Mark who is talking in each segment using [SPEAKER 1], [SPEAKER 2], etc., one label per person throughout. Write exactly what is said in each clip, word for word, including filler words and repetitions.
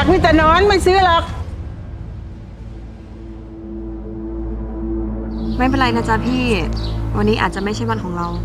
[SPEAKER 1] มีแต่นอนไม่ซื้อหรอก
[SPEAKER 2] ไม่เป็นไรนะจ๊ะพี่วันนี้อาจจะไม่ใช่วันของเรา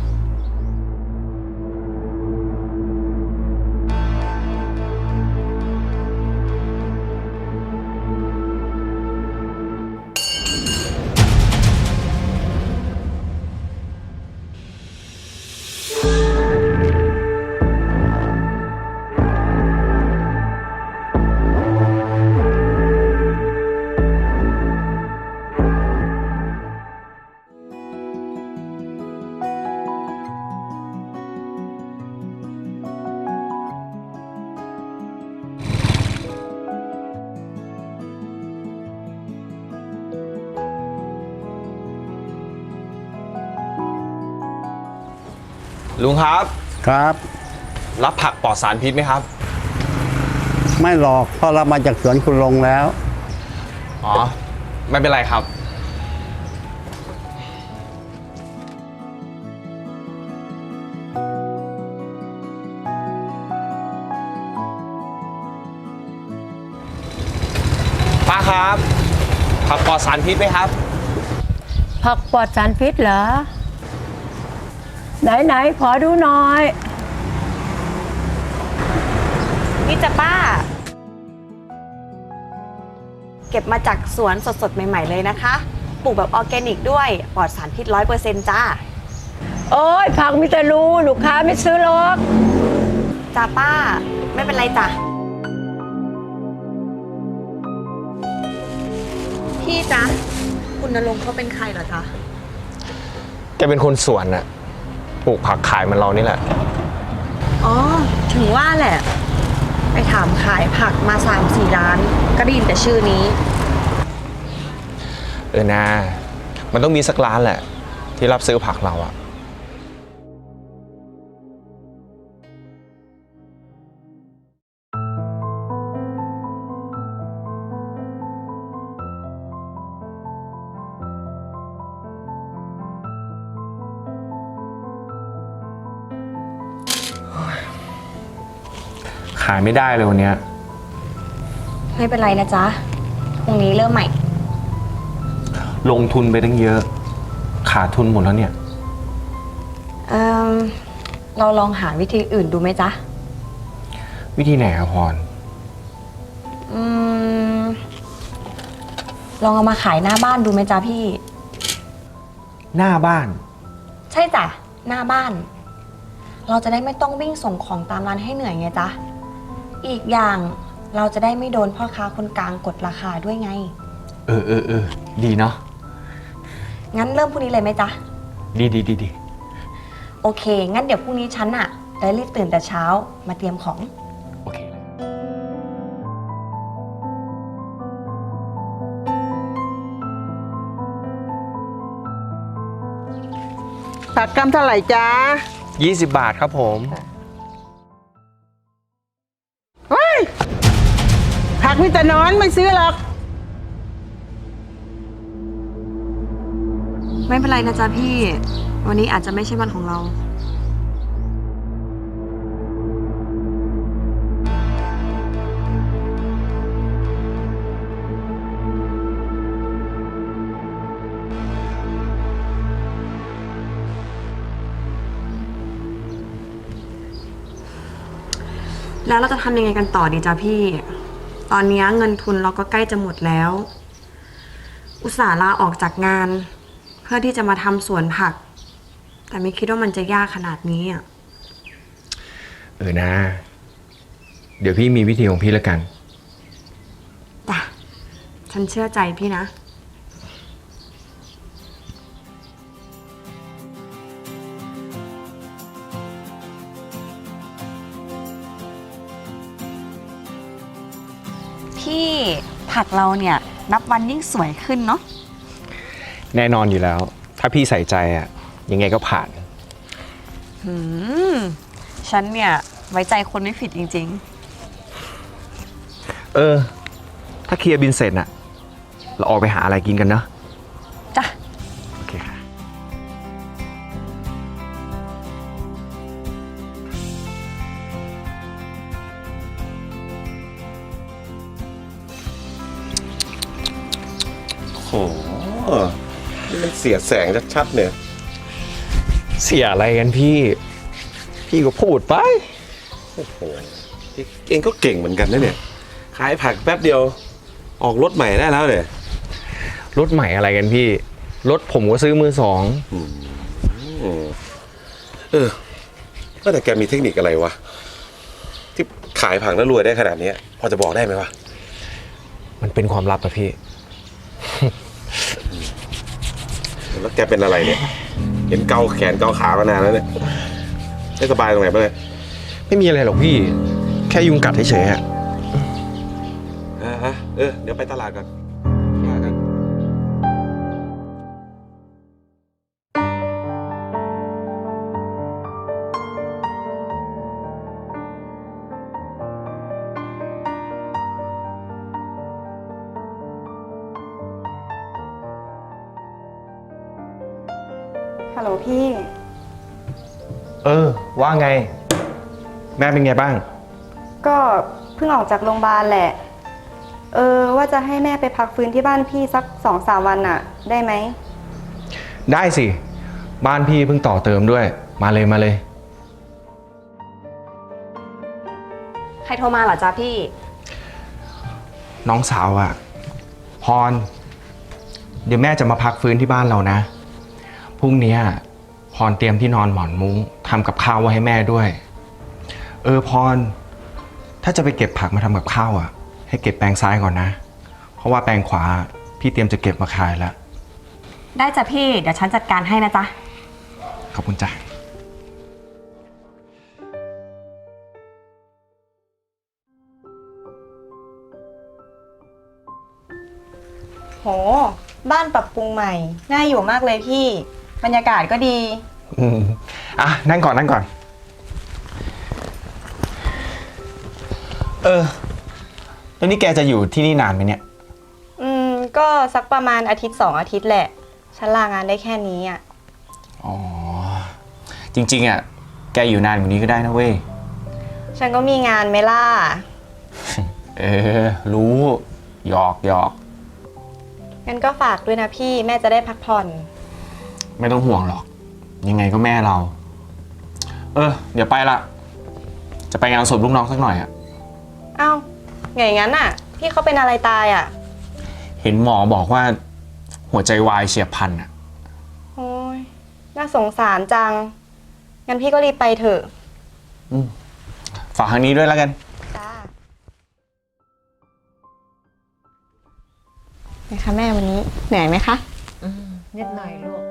[SPEAKER 3] ลุงครับ
[SPEAKER 4] ครับ
[SPEAKER 3] รับผักปลอดสารพิษไหมครับ
[SPEAKER 4] ไม่หรอกเพราะเรามาจากสวนคุณลงแล้ว
[SPEAKER 3] อ๋อไม่เป็นไรครับป้าครับผักปลอดสารพิษไหมครับ
[SPEAKER 1] ผักปลอดสารพิษเหรอไหนไหนขอดูหน่อย
[SPEAKER 2] นี่จ้ะป้าเก็บมาจากสวนสดๆใหม่ๆเลยนะคะปลูกแบบออร์แกนิกด้วยปลอดสารพิษร้อยเปอร์เซ็นต์จ้า
[SPEAKER 1] โอ้ยผักมีแต่รูลูกค้าไม่ซื้อหรอก
[SPEAKER 2] จ้าป้าไม่เป็นไรจ้ะพี่จ๊ะคุณณรงค์เขาเป็นใครเหรอจ๊ะ
[SPEAKER 3] แกเป็นคนสวนน่ะปลูกผักขายเหมือนเรานี่แหละ
[SPEAKER 2] อ๋อถึงว่าแหละไปถามขายผักมาสามสี่ร้านก็ได้ยินแต่ชื่อนี้
[SPEAKER 3] เออนะมันต้องมีสักร้านแหละที่รับซื้อผักเราอะขายไม่ได้เลยวันนี้
[SPEAKER 2] ไม่เป็นไรนะจ๊ะพรุ่งนี้เริ่มใหม่
[SPEAKER 3] ลงทุนไปตั้งเยอะขาดทุนหมดแล้วเนี่ย
[SPEAKER 2] เออเราลองหาวิธีอื่นดูไหมจ๊ะ
[SPEAKER 3] วิธีไหนครับพร
[SPEAKER 2] อืมลองเอามาขายหน้าบ้านดูไหมจ๊ะพี่
[SPEAKER 3] หน้าบ้าน
[SPEAKER 2] ใช่จ้ะหน้าบ้านเราจะได้ไม่ต้องวิ่งส่งของตามร้านให้เหนื่อยไงจ๊ะอีกอย่างเราจะได้ไม่โดนพ่อค้าคนกลางกดราคาด้วยไง
[SPEAKER 3] เออเออเออดีเนาะ
[SPEAKER 2] งั้นเริ่มพรุ่งนี้เลยไหมจ๊ะ
[SPEAKER 3] ดีดีดีดี
[SPEAKER 2] โอเคงั้นเดี๋ยวพรุ่งนี้ฉันอะจะรีบตื่นแต่เช้ามาเตรียมของ
[SPEAKER 3] โอเค
[SPEAKER 1] ผักกำเท่าไหร่จ๊ะ
[SPEAKER 3] ยี่สิบบาทครับผม
[SPEAKER 1] เฮ้ยผักมีแต่นอนไม่ซื้อหรอก
[SPEAKER 2] ไม่เป็นไรนะจ๊ะพี่วันนี้อาจจะไม่ใช่วันของเราแล้วเราจะทำยังไงกันต่อดีจ๊ะพี่ ตอนนี้เงินทุนเราก็ใกล้จะหมดแล้ว อุตส่าห์ลาออกจากงานเพื่อที่จะมาทำสวนผัก แต่ไม่คิดว่ามันจะยากขนาดนี้อ่ะ
[SPEAKER 3] เออนะเดี๋ยวพี่มีวิธีของพี่แล้วกัน
[SPEAKER 2] จ้ะฉันเชื่อใจพี่นะพี่ผักเราเนี่ยนับวันยิ่งสวยขึ้นเนาะ
[SPEAKER 3] แน่นอนอยู่แล้วถ้าพี่ใส่ใจอะยังไงก็ผ่าน
[SPEAKER 2] หืมฉันเนี่ยไว้ใจคนไม่ผิดจริง
[SPEAKER 3] ๆเออถ้าเคลียร์บินเสร็จอะเราออกไปหาอะไรกินกันเนาะ
[SPEAKER 2] จ้ะ
[SPEAKER 3] โอเคค่ะ
[SPEAKER 5] โอ้โหนี่มันเสียแสงชัดๆเนี่ย
[SPEAKER 3] เสียอะไรกันพี่ พี่ก็พูดไป
[SPEAKER 5] โอ้โหเองก็เก่งเหมือนกันนะเนี่ย ขายผักแป๊บเดียว ออกรถใหม่ได้แล้วเนี่ย
[SPEAKER 3] รถใหม่อะไรกันพี่ รถผมก็ซื้อมือสอง
[SPEAKER 5] อืมเออว่าแต่แกมีเทคนิคอะไรวะ ที่ขายผักแล้วรวยได้ขนาดนี้พอจะบอกได้ไหมวะ
[SPEAKER 3] มันเป็นความลับอะพี่
[SPEAKER 5] แล้วแกเป็นอะไรเนี่ย เห็นเกาแขนเกาขามานานแล้วเนี่ยไม่สบายตรงไหนบ้างเนี่ย
[SPEAKER 3] ไม่มีอะไรหรอกพี่ แค่ยุงกัดเฉยๆอะ
[SPEAKER 5] อ่าฮะเออ เดี๋ยวไปตลาดก่อนว่ากัน
[SPEAKER 2] ฮัลโหลพี่
[SPEAKER 3] เออ ว่าไง แม่เป็นไงบ้าง
[SPEAKER 2] ก็เพิ่งออกจากโรงพยาบาลแหละ เออว่าจะให้แม่ไปพักฟื้นที่บ้านพี่สักสองสามวันน่ะ ได้ไหม
[SPEAKER 3] ได้สิ บ้านพี่เพิ่งต่อเติมด้วย มาเลยมาเลย
[SPEAKER 2] ใครโทรมาเหรอจ๊ะพี่
[SPEAKER 3] น้องสาวอะพร เดี๋ยวแม่จะมาพักฟื้นที่บ้านเรานะ พรุ่งนี้พรเตรียมที่นอนหมอนมุ้งทำกับข้าวไว้ให้แม่ด้วย เออพร ถ้าจะไปเก็บผักมาทำกับข้าวอะให้เก็บแปลงซ้ายก่อนนะ เพราะว่าแปลงขวาพี่เตรียมจะเก็บมาขายแล้ว
[SPEAKER 2] ได้จ้ะพี่ เดี๋ยวฉันจัดการให้นะจ๊ะ
[SPEAKER 3] ขอบคุณจ้ะ
[SPEAKER 2] โห บ้านปรับปรุงใหม่ น่าอยู่มากเลยพี่ บรรยากาศก็ดี
[SPEAKER 3] อืมอ่ะนั่งก่อนนั่งก่อน เออแล้วนี่แกจะอยู่ที่นี่นานไหมเนี่ย
[SPEAKER 2] อืม ก็สักประมาณอาทิตย์สองอาทิตย์แหละ ฉันลางานได้แค่นี้อ่ะ
[SPEAKER 3] อ๋อ จริงๆอ่ะ แกอยู่นานกว่านี้ก็ได้นะเว้ย
[SPEAKER 2] ฉันก็มีงานไหมล่ะ
[SPEAKER 3] เออ รู้หยอกหยอก
[SPEAKER 2] งั้นก็ฝากด้วยนะพี่ แม่จะได้พักผ่อน
[SPEAKER 3] ไม่ต้องห่วงหรอก ยังไงก็แม่เรา เออ เดี๋ยวไปละ จะไปงานศพลูกน้องสักหน่อยอ่ะ
[SPEAKER 2] เอ้าไงงั้นอ่ะ พี่เขาเป็นอะไรตายอ่ะ
[SPEAKER 3] เห็นหมอบอกว่า หัวใจวายเฉียบพลันอ่ะ
[SPEAKER 2] โอ้ย น่าสงสารจัง งั้นพี่ก็รีบไปเถอะ
[SPEAKER 3] อืมฝากทางนี้ด้วยแล้วกัน
[SPEAKER 2] จ้าไงคะแม่วันนี้เหนื่อยไหมคะ
[SPEAKER 1] อืมนิดหน่อยลูก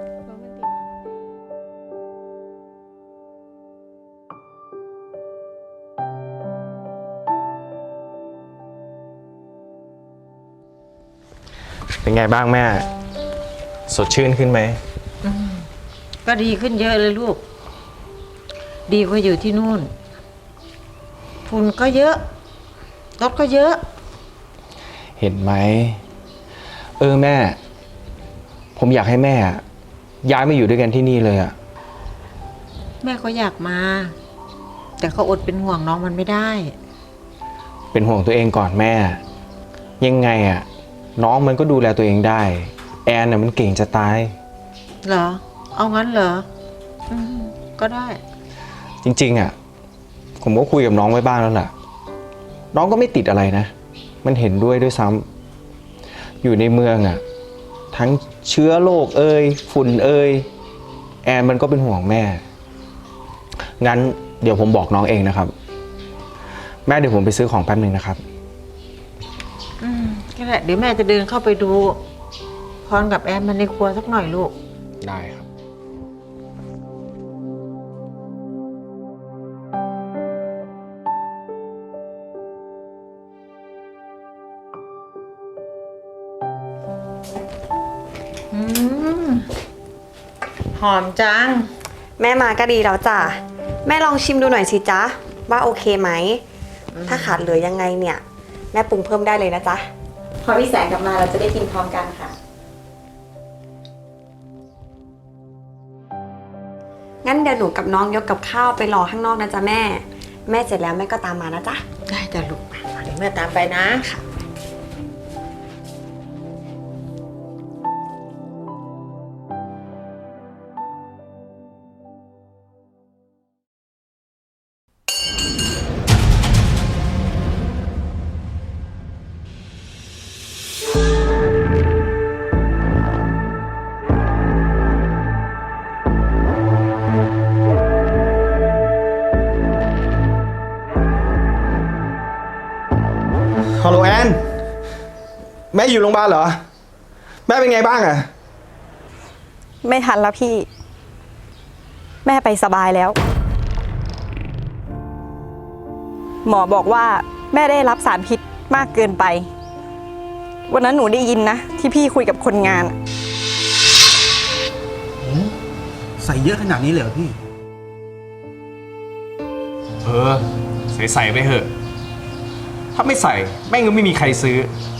[SPEAKER 3] เป็นไงบ้างแม่ สดชื่นขึ้นไหม
[SPEAKER 1] ก็ดีขึ้นเยอะเลยลูก ดีกว่าอยู่ที่นู่นฝุ่นก็เยอะรถก็เยอะ
[SPEAKER 3] เห็นไหม เออแม่ ผมอยากให้แม่ย้ายมาอยู่ด้วยกันที่นี่เลยอะ
[SPEAKER 1] แม่ก็อยากมา แต่ก็อดเป็นห่วงน้องมันไม่ได้
[SPEAKER 3] เป็นห่วงตัวเองก่อนแม่ ยังไงอะน้องมันก็ดูแลตัวเองได้ แอนน่ะมันเก่งจะตาย
[SPEAKER 1] เหรอ เอางั้นเหรออืมก็ได้
[SPEAKER 3] จริงๆอะผมก็คุยกับน้องไว้บ้างแล้วล่ะ น้องก็ไม่ติดอะไรนะ มันเห็นด้วยด้วยซ้ำอยู่ในเมืองอะทั้งเชื้อโรคเอ่ยฝุ่นเอ่ยแอนมันก็เป็นห่วงแม่ งั้นเดี๋ยวผมบอกน้องเองนะครับ แม่เดี๋ยวผมไปซื้อของแป๊บนึงนะครับ
[SPEAKER 1] อืมก็ได้เดี๋ยวแม่จะเดินเข้าไปดูพรกับแอนมันในครัวสักหน่อยลูก
[SPEAKER 3] ได้ครับ
[SPEAKER 1] อืมหอมจัง
[SPEAKER 2] แม่มาก็ดีแล้วจ้ะ แม่ลองชิมดูหน่อยสิจ๊ะ ว่าโอเคไหม ถ้าขาดเหลือยังไงเนี่ย แม่ปรุงเพิ่มได้เลยนะจ๊ะ พอพี่แสงกลับมาเราจะได้กินพร้อมกันค่ะ งั้นเดี๋ยวหนูกับน้องยกกับข้าวไปรอข้างนอกนะจ๊ะแม่ แม่เสร็จแล้วแม่ก็ตามมานะจ๊ะ
[SPEAKER 1] ได้จ้ะลูกเดี๋ยวแม่ตามไปนะ
[SPEAKER 3] ฮัลโหลแอน แม่อยู่โรงพยาบาลเหรอ แม่เป็นไงบ้างอะ
[SPEAKER 6] ไม่ทันแล้วพี่ แม่ไปสบายแล้ว หมอบอกว่าแม่ได้รับสารพิษมากเกินไป วันนั้นหนูได้ยินนะ ที่พี่คุยกับคนงาน
[SPEAKER 7] ใส่เยอะขนาดนี้เลยเหรอพี่
[SPEAKER 3] เออ ใส่ใส่ไปเถอะ ถ้าไม่ใส่แม่งก็ไม่มีใครซื้อ